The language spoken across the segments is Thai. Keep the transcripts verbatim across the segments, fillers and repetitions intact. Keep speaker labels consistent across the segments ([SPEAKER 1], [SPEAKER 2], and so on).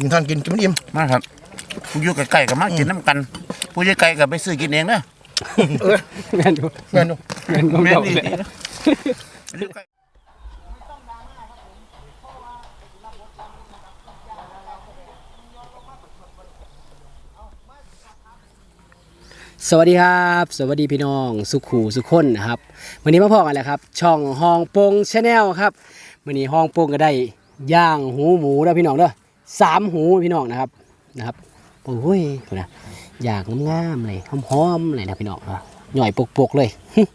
[SPEAKER 1] กินท่านกินกินมันอิ่ม
[SPEAKER 2] มาครับผู้อยู่ใกล้ๆกับมากินน้ำกันผู้อยู่ไกลกับไปซื้อกินเองเด้อ
[SPEAKER 1] เออแม่นอยู่แม่นอยู่
[SPEAKER 2] แม่นแม่นดี
[SPEAKER 3] สวัสดีครับสวัสดีพี่น้องสุขูสุขคนนะครับวันนี้มาพอกันแล้วครับช่องฮองปงชาแนลครับวันนี้ฮองปงก็ได้ย่างหูหมูแล้วพี่น้องเด้อสามหูพี่น้องนะครับนะครับโอ้ยนะย่างงามๆเลยหอมๆเลยนะพี่น้องหน่อยปกๆเลย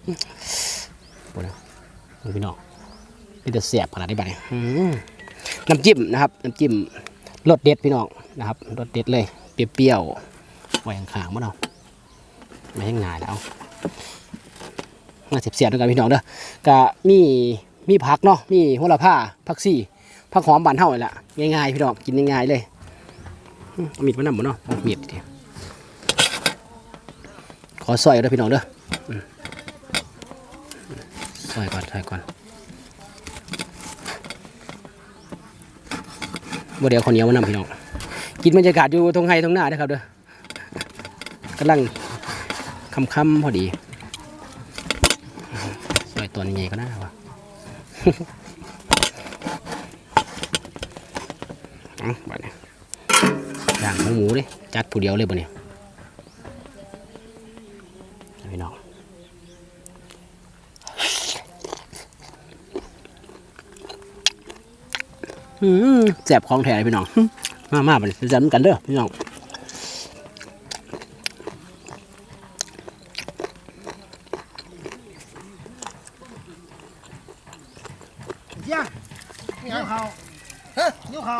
[SPEAKER 3] พี่น้องนี่จะเสียบขนาดนี้บ้างน้ำจิ้มนะครับน้ำจิ้มรสเด็ดพี่น้องนะครับรสเด็ดเลยเปรี้ยวๆไว้ข้างๆมั้งเนาะไม่ให้ง่ายแล้วมาเสียบๆด้วยกันพี่น้องเด้อก็มีมีผักเนาะมีโหระพาผักซี่ผักหอมบานเท่าเลยล่ะง่ายๆพี่น้องกินง่ายๆเลยมีดมันนำหมดเนาะมีดทีขอซอยด้วยพี่น้องเด้อซอยก่อนซอยก่อนบ่เดี๋ยวคนเหนียวมันนำพี่น้องกินบรรยากาศอยู่ตรงไฮตรงหน้านะครับเด้อกำลังค่ำๆพอดีสวยตัวใหญ่ก็น่าวะอ๋อบ้านนี้ย่างหมูหมูเลยจัดผู้เดียวเลยบ้านนี้พี่น้องอืมแซ่บของแท้เลยพี่น้องมามาบ้านนี้จะจัดกันเด้อพี่น้อง
[SPEAKER 1] ย่างนิ้วเขาฮะนิ้วเขา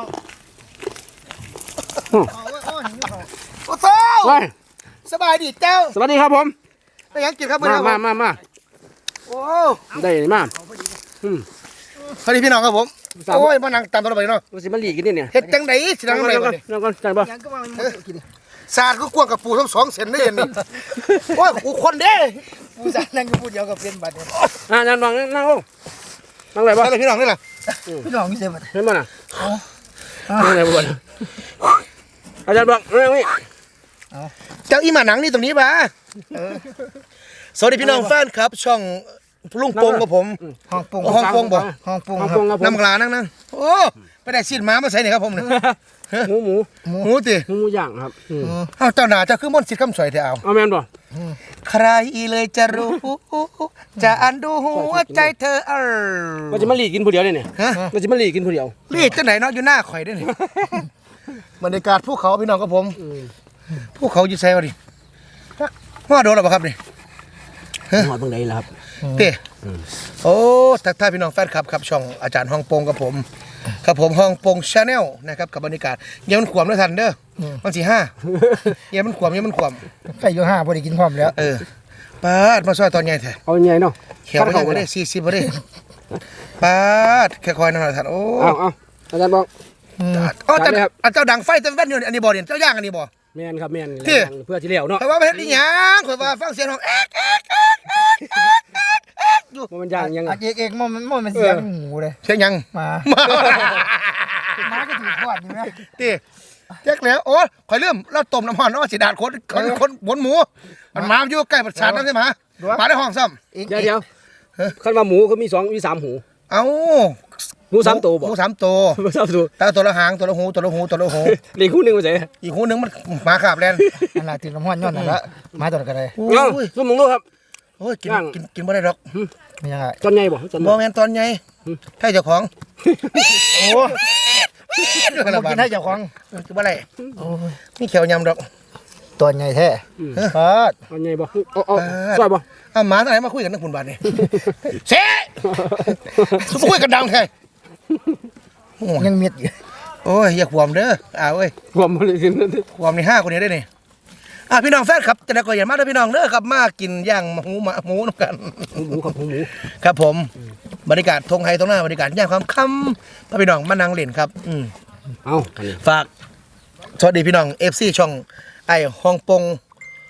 [SPEAKER 1] เขาโอ้ยโอ้ยนิ้วเขาโอ้โหสบายดีเจ้า
[SPEAKER 3] สวัสดีครับผม
[SPEAKER 1] ได้ยังกินครับ
[SPEAKER 3] มามามามา
[SPEAKER 1] โอ้
[SPEAKER 3] ได้มา
[SPEAKER 1] สวัสดีพี่น้องครับผมโอ้ยมานั่งตามตัวเราไปเนาะ
[SPEAKER 3] มันสิมาหลีกินนี่เนี่ย
[SPEAKER 1] เฮ็ดจังไดสินั่งไหนบ่
[SPEAKER 3] นั่งก่อนจังบ่
[SPEAKER 1] สาดก็กวางกับปูทั้งสองเส้นได้ยันนี่โอ้ยกูคนเด้ปูสาดนั่งกับปูเดียวกับเป็นบัดเนี่ย
[SPEAKER 3] อ่านั่งนั่งนั่งโอ้นั่งไหนบ่
[SPEAKER 1] อะไรพี่น้องนี่แหละ
[SPEAKER 3] พี่น้องนี่เสียบัดเห็นบ่น่ะนั่งไหนบ่อาจารย์บอกเรื่องนี้
[SPEAKER 1] เจ้าอีหมาหนังนี่ตรงนี้ป่ะสวัสดีพี่น้องแฟนครับช่องลุงปงกับผมห้องปงห้องปงบ่ห้องปงครับน้ำกลานั่งนั่งโอ้ไปได้ซีนม้ามาใส่เนี่ยครับผมเนี่ย
[SPEAKER 3] หมูหมู
[SPEAKER 1] หมูติ
[SPEAKER 3] หมูย่างครับ
[SPEAKER 1] เอาเจ้าหน้าจะคือมนต์สิทธิ์คำสวยเถอะเอา
[SPEAKER 3] เอาแม่นบ่
[SPEAKER 1] ใครเลยจะรู้จะอันดูหัวใจเธอเออ
[SPEAKER 3] มันจะมาหลีกินผู้เดียวเนี่ยเนี่ยมันจะมาหลีกินผู้เดียว
[SPEAKER 1] หลีกจังไหนเนาะอยู่หน้าข่อยด้วยนี่บรรยากาศภูเขาพี่น้องกับผมภูเขาอยู่ไซวะดิว่าโดนหรอเปล่าครับนี่
[SPEAKER 3] หอดตรงไหนล่ะครับ
[SPEAKER 1] เต้โอ้ทักทายพี่น้องแฟนคลับครับช่องอาจารย์ฮ่องปงกับผมครับผมฮ่องปงชาแนลนะครับกับบรรยากาศเยี่ยมันขวมด้วยทันเด้อวันที่ห้าเยี่ยมันขวมเยี่ยมันขวม
[SPEAKER 4] ใกล้อยู่ห้าพอดีกินพร้อมแล้ว
[SPEAKER 1] เออปาดมาซอยตอนใหญ่แท้
[SPEAKER 3] เอาใหญ่เนาะ
[SPEAKER 1] เขียวไปได้สี่สิบไปได้ปาดแค่คอยนั่นแหละท่านโอ้
[SPEAKER 3] เอาเอาอาจารย์บอก
[SPEAKER 1] อ๋อแต่เจ้าดังไฟเต็มแว่นอยู่อันนี้บ่อเนี่ยเจ้าย่างอันนี้บ่
[SPEAKER 3] แม่นครับแม่นเพื่อที่เหลียวเนาะ
[SPEAKER 1] แต่ว่าไม่ได้ยังข่อยว่าฟังเสียงของเอ๊กเอ๊กเอ๊กเอ๊กเอ๊กเอ๊กเอ๊กอยู่
[SPEAKER 3] มันย่างยัง
[SPEAKER 4] เอ๊กเอ๊กมันมันมันเสียงหมูเลย
[SPEAKER 1] เสียงยัง
[SPEAKER 4] มามาก็ถือขวดอยู่นะ
[SPEAKER 1] ตีเจ๊กแล้วโอ้ข่อยลืมเราต้มน้ำมันแล้วสีดาดคนคนคนบนหมูมันมาอยู่ใกล้ประสาทนั่นใช่ไหมมาได้ห้องซ้
[SPEAKER 3] ำเดี๋ยวเดี๋ยวขั้นว่าหมูเขามีสองมีสามหู
[SPEAKER 1] เอ้า
[SPEAKER 3] หมูสามตัวบ่
[SPEAKER 1] หมูสามตัว
[SPEAKER 3] หมูสามตัว
[SPEAKER 1] แต่ตัวละหางตัวละหูตัวละหูตัวละหู
[SPEAKER 3] อีกคู่หนึ่งมันเสีย
[SPEAKER 1] อีกคู่หนึ่งมันหมาขาบแลน
[SPEAKER 4] นั่นแหละถือน้ำมันย้อนนั่นละมาตัวกันเลย
[SPEAKER 3] โอ้ยสมองลูกครับ
[SPEAKER 1] โอ้ยกินกินกินไม่ได้หรอก
[SPEAKER 4] ไม่ยังไง
[SPEAKER 3] ตอนใหญ่บ่
[SPEAKER 1] บ่แม่นตอนใหญ่ใช่เจ้าของ
[SPEAKER 4] โอ้กินให้เจ้าของ
[SPEAKER 1] คือบ่ไรนี่เขียวยำดอก
[SPEAKER 4] ตัวใหญ่แท้
[SPEAKER 3] เออตอนใหญ่บ่เอาเอาสวยบ่
[SPEAKER 1] เอาหมาตัวไหนมาคุยกันนักบุญบาทนี่เซ่สุคุยกันดังแท้
[SPEAKER 4] ยังเม็ดอยู่
[SPEAKER 1] โอ้ยอย่าขวมเด้ออ้าวเอ้ย
[SPEAKER 3] ขวมเลยกิน
[SPEAKER 1] ขวมในห้าคนนี้ได้นี่อ่ะพี่น้องแฟนครับจะได้ก็อย่ามาเด้อพี่น้องเด้อครับมากินย่างหมูหมาหมูน้ำกัน
[SPEAKER 3] หมูกับหมู
[SPEAKER 1] ครับผมบรรยากาศทงไฮตรงหน้าบรรยากาศย่างความค่ำพระพี่น้องมานั่งเล่นครับอืม
[SPEAKER 3] เอา
[SPEAKER 1] ฝากสวัสดีพี่น้องเอฟซีช่องไอ้ฮ่องปง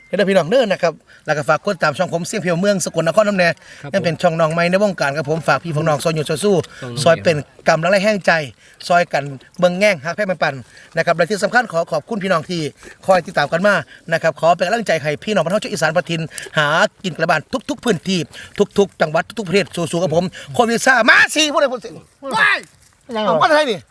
[SPEAKER 1] เด้อพี่น้องเด้อนะครับแล้วก็ฝากกดตามช่องผมเสียงเพียวเมืองสกลนครน้ำแน่ยังเป็นช่องน้องใหม่ในวงการครับผมฝากพี่น้องซอยอยู่ซอยสู้ซอยเป็นกำลังแรงใจซอยกันเบิ่งแง่งฮักแพ้มันปั่นนะครับและที่สำคัญขอขอบคุณพี่น้องที่คอยติดตามกันมานะครับขอเป็นกำลังใจให้พี่น้องบรรเทาชาวอีสานประทินหากินกระบาลทุกๆพื้นที่ทุกๆจังหวัดทุกๆประเทศสู้ๆกับผมโควิดซ่ามาสิพูดเลยพูดสิว้ายเอาว่าไทยนี่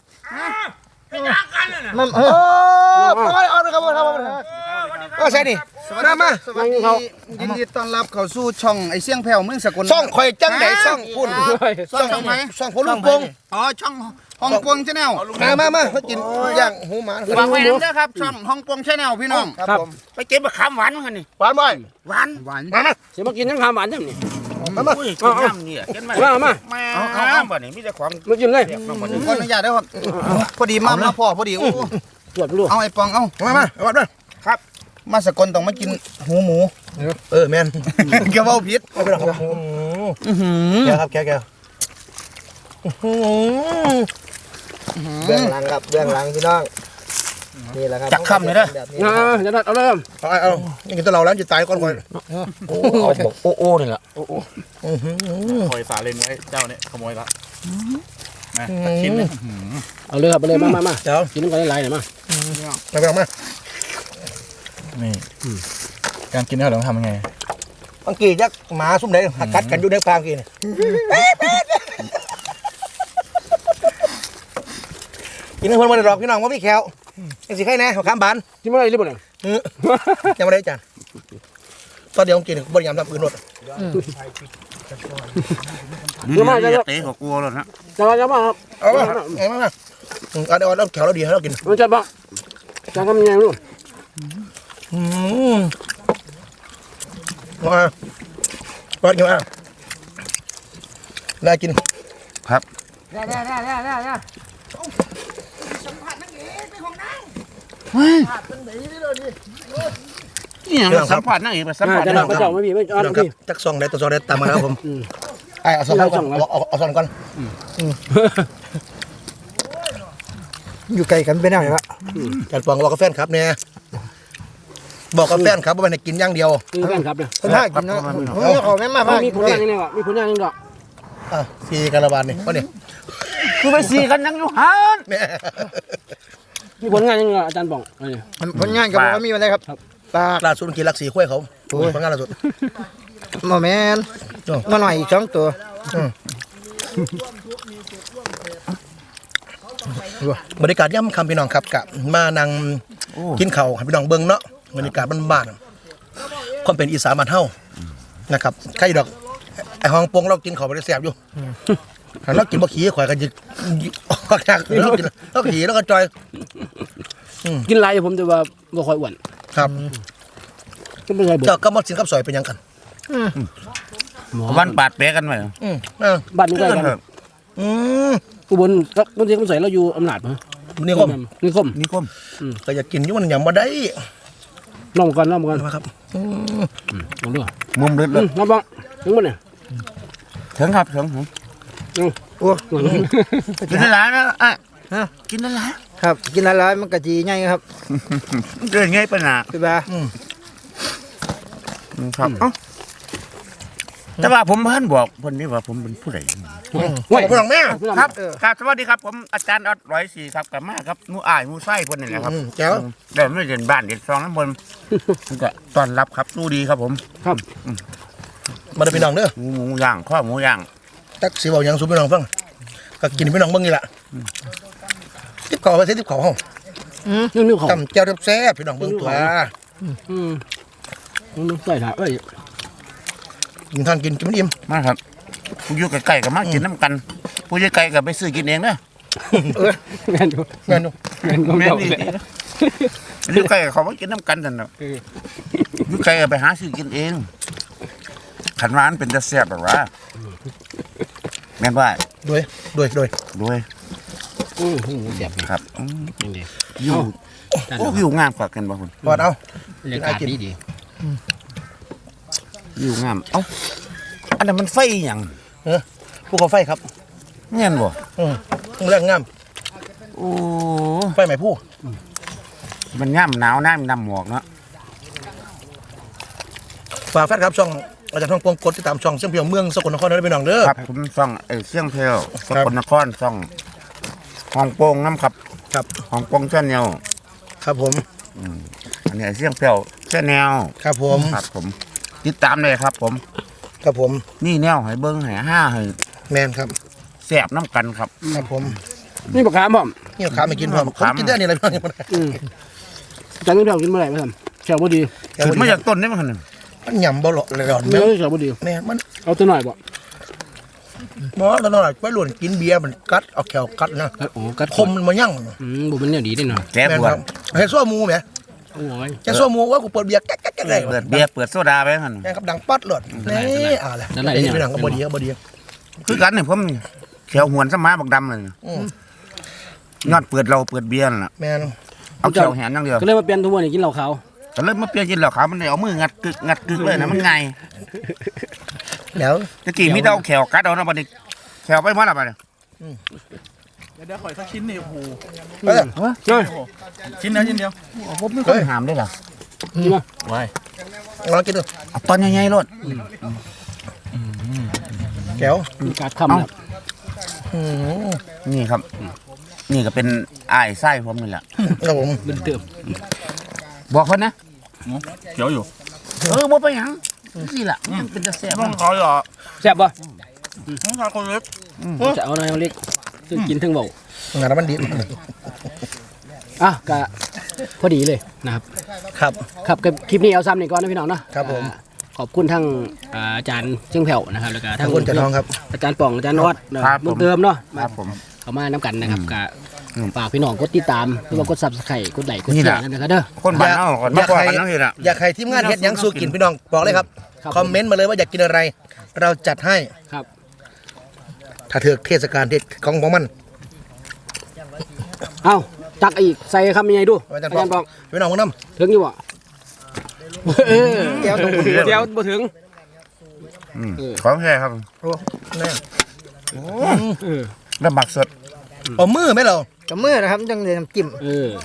[SPEAKER 1] มันเออไปเอาเลยครับครับก็ใช่นี่มามา
[SPEAKER 4] สวัสดียินดีต้อนรับเข้าสู่ช่องไอ้เสียงแผ่วเมืองสกล
[SPEAKER 1] ช่องข่อยจังไหนช่องพุ่น
[SPEAKER 4] ช่องไหน
[SPEAKER 1] ช่องพลุงปง
[SPEAKER 4] อ๋อช่องฮ่องกงชาแนล
[SPEAKER 1] มามามาเขากินย่างหูหมา
[SPEAKER 4] ฝากไว้ด้วยครับช่องฮ่องกงชาแนลพี่น้อง
[SPEAKER 1] ครับ
[SPEAKER 2] ไปเก็บมะขามหวานกันนี่
[SPEAKER 1] หวานบ่อย
[SPEAKER 2] หวาน
[SPEAKER 4] หวาน
[SPEAKER 1] มามา
[SPEAKER 3] สิมากินทั้งข้าวหวานจังนี่
[SPEAKER 1] มามา
[SPEAKER 2] อุ้ยกินน้ำนี่กินมา
[SPEAKER 3] มามา
[SPEAKER 2] มาเอาเอาบ่นี่มีแต่ของ
[SPEAKER 3] มากินเลย
[SPEAKER 4] ขออนุญาตด้วยครับพอดีมามาพ่อพอดีโอ้
[SPEAKER 3] ตรวจดู
[SPEAKER 4] เอาไอ้ปองเอา
[SPEAKER 1] มามาเอาวัดมา
[SPEAKER 4] มาสกลต้องมากินหูหมู
[SPEAKER 1] เออแม่น
[SPEAKER 4] เกี่ยวเอาผิด
[SPEAKER 1] เอาไปหรอกครับแกครับแกแกเบื้องหลังครับเบื้องหลังพี่น้องนี่แหละครับ
[SPEAKER 2] จักค่ำเลยเด้อ
[SPEAKER 3] อ่าจะนัดเอาเลย
[SPEAKER 1] เอาเอานี่กินตัวเราแล้วจะตายก่อนก่อน
[SPEAKER 2] โอ้บอกโอ้โอ้นี่ล่ะ
[SPEAKER 5] คอยฝาเลนไว้เจ้าเนี่ยขโมยละมาสักชิ้นหนึง
[SPEAKER 3] เอาเลยครับเอาเลยมามามา
[SPEAKER 1] เดี๋ยว
[SPEAKER 3] กินน้ำกันหลายๆหน่อยมา
[SPEAKER 1] มาไปเอามา
[SPEAKER 5] นี่การกินเนี่ยเราต้องทำยังไง
[SPEAKER 1] บางกียักหมาซุ่มไหนหักกัดกันอยู่ในฟางกีนี่กินให้คนมาได้ดอกพี่น้องว่าพี่แขวยังสิใครแน่ข้ามบาน
[SPEAKER 3] กินมาอะไรรีบบ่เนี่ย
[SPEAKER 1] ยังไม่ได้จานตอนเดียวกินบริยามทำปืนรถ
[SPEAKER 2] นี่มาจะเตะหัวกูแล้วนะ
[SPEAKER 3] จะมาจะมาครับ
[SPEAKER 1] เอามาเอามาเอาเดี๋ยวเราแขวเราดีให้เรากิน
[SPEAKER 3] มันจะบ้าจะทำยังไงลูก
[SPEAKER 1] อืมมาวัดกันมาได้กิน
[SPEAKER 2] ครับ
[SPEAKER 3] ได้ได้ได้ได้ได้ได้
[SPEAKER 2] นี่ยังสัมผัสนั่งอีกสัมผัส
[SPEAKER 3] จะ
[SPEAKER 2] นั่
[SPEAKER 3] นั
[SPEAKER 2] ง
[SPEAKER 3] ดกระเจ้าไม่มีไม่อ่อน
[SPEAKER 1] น้องครั
[SPEAKER 3] พี่
[SPEAKER 1] บจักซองได้ตัวซองได้ตามมาแล้วผมไอ้เอาซองก่อนเอาเอาซองก่อนอยู่ไกลกันไปแล้วละการปองบอกกับแฟนครับเนี่ยบอกกับแฟนครับว่ามันกินอย่างเดียว
[SPEAKER 3] คือแฟนครับเนี่ย
[SPEAKER 1] คนท่ากินนะเอาแม่มา
[SPEAKER 3] มีผลงานยังไงวะมีผลงานยังไง
[SPEAKER 1] อ่ะซีการบาลนี่วะเนี่ย
[SPEAKER 2] คือไปสีกันยังอยู่หัน
[SPEAKER 1] แม่
[SPEAKER 3] มีผลงานยังไงอาจารย์บอกอะไร
[SPEAKER 4] ผลงานกับว่ามีอะไรครับปลา
[SPEAKER 1] ล่าสุดกินลักสีข้วยเขาผลงานล่าสุด
[SPEAKER 4] หมอแมนมาหน่อยอีกสองตัว
[SPEAKER 1] บรรยากาศย่ำคำพี่น้องครับกะมานั่งกินข้าวให้พี่น้องเบิ่งเนาะบรรยากาศบ้านๆความเป็นอีสานบ้านเฮานะครับใครดอกไอ้ห้องปงเรากินข้าวบ่ได้แซ่บอยู่เรากินบ่ขี้ข่อยก็จะออกจากเรากินเราขี้แล้วก็จอย
[SPEAKER 3] กินไรผมแต่ว่าบ่ค่อยอ้วน
[SPEAKER 1] ครับ
[SPEAKER 3] ก็เป็นไรบ่
[SPEAKER 1] เจ้าก็มาสินกับซอยเป็นหยังกัน
[SPEAKER 2] วันปาดแปะกันไหม
[SPEAKER 1] อืมเออ
[SPEAKER 3] บ้านนี้ใกล้กัน
[SPEAKER 1] อืม
[SPEAKER 3] อุบลบางทีเขาใส่เราอยู่อำนาจมั้ย
[SPEAKER 1] นี่คม
[SPEAKER 3] นี่คม
[SPEAKER 2] นี่คม
[SPEAKER 1] ก็อยากกินอยู่มันยังบ่ได้
[SPEAKER 3] ลองกันลองกัน
[SPEAKER 1] มาครับ
[SPEAKER 3] ลองดู
[SPEAKER 2] มุมลึกเลย
[SPEAKER 3] น้ำบ้องถึงบ่เนี่ย
[SPEAKER 2] ถึงครับถึง
[SPEAKER 4] โอ้
[SPEAKER 2] กินได้หลายนะอ่ะกินได้หลาย
[SPEAKER 4] ครับกินหลายๆมันกะจีง่ายครับ
[SPEAKER 2] เกิดไงปัญหา
[SPEAKER 4] พี่บา
[SPEAKER 2] ครับเอ้าแต่ว่าผมเพิ่นบอกเพิ่นนี่ว่าผมเป็นผู้ใด
[SPEAKER 1] ห่วยพี่น้องแม่
[SPEAKER 2] ครับครับสวัสดีครับผมอาจารย์ออดร้อยสี่ครับกับมาครับหมูอ้ายหมูไส้เพิ่นนี่แหละครับ
[SPEAKER 1] อืมแจ๋ว
[SPEAKER 2] เดี๋ยวไม่เห็นบ้านเด็ดซองน้ำบนก็ต้อนรับครับสู้ดีครับผม
[SPEAKER 3] ครับ
[SPEAKER 1] มาเด้อพี่น้องเด้อ
[SPEAKER 2] หมูหมูย่างข้อหมูย่าง
[SPEAKER 1] จักสิเว้าหยังสู่พี่น้องฟังก็กินพี่น้องเบิ่งนี่ล่ะทิปข้าวไปสิทิปข้าวเฮา
[SPEAKER 3] นี่นี่เขา
[SPEAKER 1] ตำแจ่วแซ่บๆพี่น้องเบิ่งตัว
[SPEAKER 3] อืมนี่ใส่ถ่ายเอ้ย
[SPEAKER 1] กินทานกินกินมันอิ่ม
[SPEAKER 2] มาครับผู้อยู่ใกล้ๆกับมากินน้ำกัน ผู้อยู่ไกลกับไปซื้อกินเองเด้อ
[SPEAKER 3] แม่นดู
[SPEAKER 1] แม่นอยู่
[SPEAKER 3] แม่นของ
[SPEAKER 2] แม่
[SPEAKER 3] เจ้า
[SPEAKER 2] นี่
[SPEAKER 3] เลย
[SPEAKER 2] อยู่ใกล้กับเขามากินน้ำกันนั่นแหละอยู่ไกลกับไปหาซื้อกินเองขันร้านเป็นจะแซ่บแบบว่าแม่นว่า
[SPEAKER 1] ด้วยด้วยด้วย
[SPEAKER 2] ด้วย
[SPEAKER 3] อืมเสียบ
[SPEAKER 2] ครับอืม
[SPEAKER 3] ยังดี
[SPEAKER 2] อยู่โอ้อยู่งามกว่ากันบ่คุณ
[SPEAKER 1] วัดเอา
[SPEAKER 3] บรรยากาศดีดี
[SPEAKER 2] อยู่งามเอ้าอันนั้นมันไฟหยัง
[SPEAKER 1] เออภูเขาไฟครับ
[SPEAKER 2] เงี้ยบ่
[SPEAKER 1] อืมแรงงาม
[SPEAKER 2] โอ้
[SPEAKER 1] ไฟไหม้ผู้
[SPEAKER 2] มันย่ำหนาวน้ำน้ำหมวกเนาะ
[SPEAKER 1] ฝากแฟนครับช่องอาจารย์ท่องปงกดติดตามช่องเชียงเพียวเมืองสกลนครด้วยพี่น้องเด้อ
[SPEAKER 2] ครับผมซ่องไอ้เชียงเพลสกลนครซ่องฮ่องโปงน้ำครับ
[SPEAKER 1] ครับ
[SPEAKER 2] ฮ่องโปงแชนแนล
[SPEAKER 1] ครับผม
[SPEAKER 2] อันนี้ไอ้เชียงเพลแชนแนล
[SPEAKER 1] ครับผม
[SPEAKER 2] ครับผมติดตามเลยครับ ผม
[SPEAKER 1] ครับผม
[SPEAKER 2] นี่แนวให้เบิ้งให้ห้าให้
[SPEAKER 1] แมนครับ
[SPEAKER 2] แสบน้ำกันครับ
[SPEAKER 1] ครับผม
[SPEAKER 3] นี่ปากกาบ่อม
[SPEAKER 1] นี่ขาไม่กินพร้อมผมกินได้นี่อะไรพี่น้อง
[SPEAKER 3] อืมจังนี่เรากินเมื่อไหร่ไม่ทำแฉวบ่ดี
[SPEAKER 2] ขึ้นมาจากต้นนี่มันขนาด
[SPEAKER 1] มันยำบ่หลอเลยหลอน
[SPEAKER 3] เนื้
[SPEAKER 1] แม่
[SPEAKER 3] อแฉวบ่ดี
[SPEAKER 1] แม่มัน
[SPEAKER 3] เอาตัวหน่อยบ่
[SPEAKER 1] หมอแล้วนอนไปหลวนกินเบียร์มันกัดเอาแขวกัดนะ
[SPEAKER 3] โอ้กัด
[SPEAKER 1] คมมันมายั่ง
[SPEAKER 3] อืมบ่เป็นแนวดีได้หน่อย
[SPEAKER 2] แก้
[SPEAKER 1] แม่น
[SPEAKER 2] ปว
[SPEAKER 1] ค
[SPEAKER 2] ด
[SPEAKER 1] รับเฮ้ยซัวมูไหม
[SPEAKER 3] โอ้ย
[SPEAKER 1] แกซัวมูว่ากูเปิดเบียร์แก๊กแก๊กแก๊กเลย
[SPEAKER 2] เปิดเบียร์เปิดโซดาไปขนาด
[SPEAKER 1] แม่ครับดังปัดหลอดนี่อ่าแหละนี่พี่น้องก็บ่ดีก็บ่ดี
[SPEAKER 2] คือกันเนี่ยผมแขวหวนสมาบักดำเลย
[SPEAKER 1] อืม
[SPEAKER 2] ยอดเปิดเราเปิดเบียร์น่ะ
[SPEAKER 1] แม่น
[SPEAKER 2] เอาแขวแหนอย่างเดียว
[SPEAKER 3] ก็เลยมาเปลี่ยนทุกวันนี้กินเหล้าขาว
[SPEAKER 2] แต่เริ่มมาเปลี่ยนกินแล้วครับมันได้เอามืองัดกึกงัดกึกเลยนะมันไง
[SPEAKER 1] แล้ว
[SPEAKER 2] ตะกี้มีแต่เอาแขวกัดเอานะบัดนี้แขวไปมาและบัดนี้
[SPEAKER 5] เดี๋ยวเดี๋ยวขออีกสักชิ้นนี่โอ้โห
[SPEAKER 1] เอ้ย
[SPEAKER 3] เฮ้ย
[SPEAKER 5] ชิ้นเดียวชิ้นเดียว
[SPEAKER 2] ผมไม่ค่อยหามได้หรอ
[SPEAKER 3] นี่มา
[SPEAKER 5] ไว้
[SPEAKER 1] ลองกินดู
[SPEAKER 2] เอาตอนใหญ่ๆรถ
[SPEAKER 1] แก้ว
[SPEAKER 3] มีการคำครับ
[SPEAKER 1] อืม
[SPEAKER 2] นี่ครับ นี่ก็เป็นอ้ายไส้ผมนี่แหละ
[SPEAKER 1] ครับผม
[SPEAKER 3] เป็นเติม
[SPEAKER 2] บอกคนนะ
[SPEAKER 5] เขียวอยู่
[SPEAKER 2] เออบ่ไปหยังสิล่ะมันเป็นจะแซ่บ
[SPEAKER 5] ต้องขอเหรอ
[SPEAKER 3] แซ่บบ่
[SPEAKER 5] ต้องขอคนเล็ก
[SPEAKER 3] จะเอาหน่อยเอาเล็กซึ่งกินถึงเบาง
[SPEAKER 1] านมันดี
[SPEAKER 3] อ่ะก็พอดีเลยนะครับ
[SPEAKER 1] ครับ
[SPEAKER 3] ครับกับคลิปนี้เอาซ้ำนี่ก่อนนะพี่น้องเนาะ
[SPEAKER 1] ครับผม
[SPEAKER 3] อ่าขอบคุณทั้งอ่าอาจารย์เชียงแผ่วนะครับแล้วก็
[SPEAKER 1] ข
[SPEAKER 3] ทั้
[SPEAKER 1] อง บคุณจันทองครับ
[SPEAKER 3] อาจารย์ป่องอาจารย์นวัดเนาะเหมือนเดิมเนาะ
[SPEAKER 2] ครับผม
[SPEAKER 3] เข้ามาน้ำกันนะครับก็
[SPEAKER 2] อืม
[SPEAKER 3] ฝากพี่น้องกดติดตามหรือว่ากดซับสไครต์กดไลค์กด
[SPEAKER 2] นี่
[SPEAKER 3] แช
[SPEAKER 2] แหละ
[SPEAKER 3] ร์นั่นนะครับเด้อ
[SPEAKER 2] คนบ้านเฮาคนมาบอกกันเนาะทีละ
[SPEAKER 1] อยากให้ทีมงานเฮ็ดหยังสู้กินพี่น้องบอกเลยครับ
[SPEAKER 3] ครับ
[SPEAKER 1] คอมเมนต์มาเลยว่าอยากกินอะไร เราจัดให้
[SPEAKER 3] ครับ
[SPEAKER 1] ถ้าเถือกเทศกาลเทศของของมัน
[SPEAKER 3] เอ้าจักอีกใส่คำยังไงดู
[SPEAKER 1] อาจารย์
[SPEAKER 3] อาจารย์
[SPEAKER 1] ป
[SPEAKER 3] ป่
[SPEAKER 1] อ
[SPEAKER 3] อง ง
[SPEAKER 1] พี่น้องมึงน้
[SPEAKER 3] ถึงอยู่บ่เออ
[SPEAKER 1] ำแก้วตรง
[SPEAKER 3] เดี๋ยวบ่ถึง
[SPEAKER 2] อืมของแท้ครับ
[SPEAKER 1] โอ้แน่
[SPEAKER 3] เออ
[SPEAKER 2] แล้วหมักสด
[SPEAKER 1] เอามือไหมเรา
[SPEAKER 4] กับมือนะครับจังเลยน้ำจิ้ม
[SPEAKER 3] เออ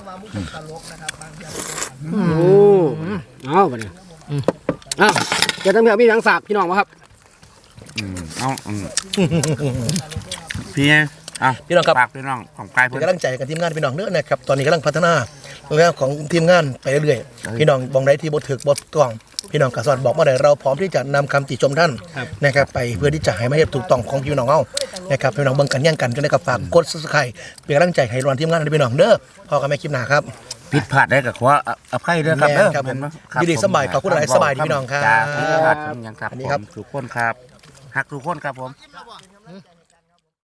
[SPEAKER 3] โอ้เอาไปเนี่ยอ้าวจะต้องมีพี่ทางฝากพี่น้องมาครับ
[SPEAKER 2] อืมเอาอืมพี่ไงอ่ะ
[SPEAKER 1] พี่น้องครับ
[SPEAKER 2] ฝากพี่น้องของกาย
[SPEAKER 1] เป็
[SPEAKER 2] เพิ่
[SPEAKER 1] น
[SPEAKER 2] น
[SPEAKER 1] กำลังใจกับทีมงานพี่น้องเนื้อนะครับตอนนี้กำลังพัฒนาเรื่องของทีมงานไปเรื่อยๆพี่น้องบองได้ที่บทถึกบทต้องพี่น้องกระสอนบอกมาได้เราพร้อมที่จะนำคำติชมท่าน
[SPEAKER 3] ครับ
[SPEAKER 1] นะครับไปเพื่อที่จะให้มาเฮ็ดถูกต้องของพี่น้องเฮานะครับพี่น้องเบิ่งกันแย่งกันกันได้กับฝากกด Subscribe เป็นกำลังใจให้รอนทีมงานให้พี่น้องเด้อพอกันแม่คลิปหน้าครับ
[SPEAKER 2] ผิดพลาดได้ก็ขออภัยด้วยครับ
[SPEAKER 1] แม่น
[SPEAKER 2] เด้อ
[SPEAKER 1] ครับผม
[SPEAKER 2] แน
[SPEAKER 1] ยินดีสบายขอบคุณหลายสบายดีพี่น้องครับ
[SPEAKER 2] จ้าผิดพลาดผมยังครับ
[SPEAKER 1] อันนี้
[SPEAKER 2] ผ
[SPEAKER 1] ครับ
[SPEAKER 2] มทุกคนครับฮักทุกคนครับผม
[SPEAKER 1] ค